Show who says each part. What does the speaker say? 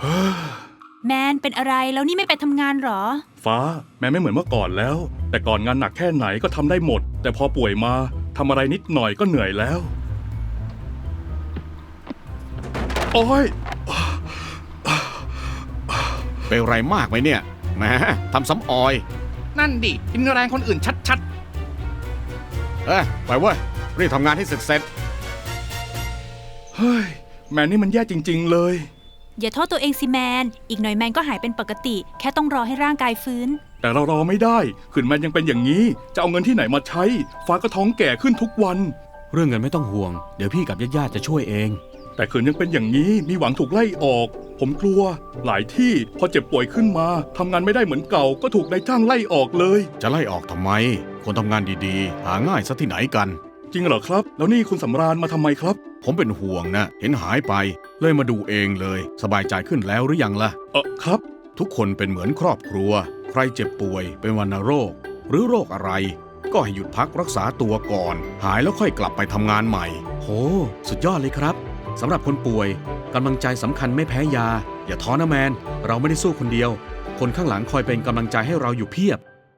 Speaker 1: แมนเป็นอะไรแล้วนี่ไม่ไปทำงานหรอ
Speaker 2: ฟ้าแม้ไม่เหมือนเมื่อก่อนแล้วแต่ก่อนงานหนักแค่ไหนก็ทำได้หมดแต่พอป่วยมาทำอะไรนิดหน่อยก็เหนื่อยแล้วโอ้ย
Speaker 3: เป็นไรมากไหมเนี่ยแหมทำซ้ำออย
Speaker 4: นั่นดิกินแรงคนอื่นชัด
Speaker 3: ไปเว้ยรีบทำงานให้เสร็จ
Speaker 2: เฮ้ยแมนนี่มันแย่จริงๆเลย
Speaker 1: อย่าโทษตัวเองสิแมนอีกหน่อยแมนก็หายเป็นปกติแค่ต้องรอให้ร่างกายฟื้น
Speaker 2: แต่เรารอไม่ได้ขืนแมนยังเป็นอย่างนี้จะเอาเงินที่ไหนมาใช้ฟ้าก็ท้องแก่ขึ้นทุกวัน
Speaker 5: เรื่องเงินไม่ต้องห่วงเดี๋ยวพี่กับญาติๆจะช่วยเอง
Speaker 2: แต่ขืนยังเป็นอย่างนี้มีหวังถูกไล่ออกผมกลัวหลายที่พอเจ็บป่วยขึ้นมาทำงานไม่ได้เหมือนเก่าก็ถูกนายจ้างไล่ออกเลย
Speaker 3: จะไล่ออกทำไมคนทำงานดีๆหาง่ายซะที่ไหนกัน
Speaker 2: จริงเหรอครับแล้วนี่คุณสำราญมาทำไมครับ
Speaker 3: ผมเป็นห่วงนะเห็นหายไปเลยมาดูเองเลยสบายใจขึ้นแล้วหรือยังล่ะ
Speaker 2: ครับ
Speaker 3: ทุกคนเป็นเหมือนครอบครัวใครเจ็บป่วยเป็นวัณโรคหรือโรคอะไรก็ให้หยุดพักรักษาตัวก่อนหายแล้วค่อยกลับไปทำงานใหม่
Speaker 5: โหสุดยอดเลยครับสำหรับคนป่วยกำลังใจสำคัญไม่แพ้ยาอย่าท้อนะแมนเราไม่ได้สู้คนเดียวคนข้างหลังคอยเป็นกำลังใจให้เราอยู่เพียบ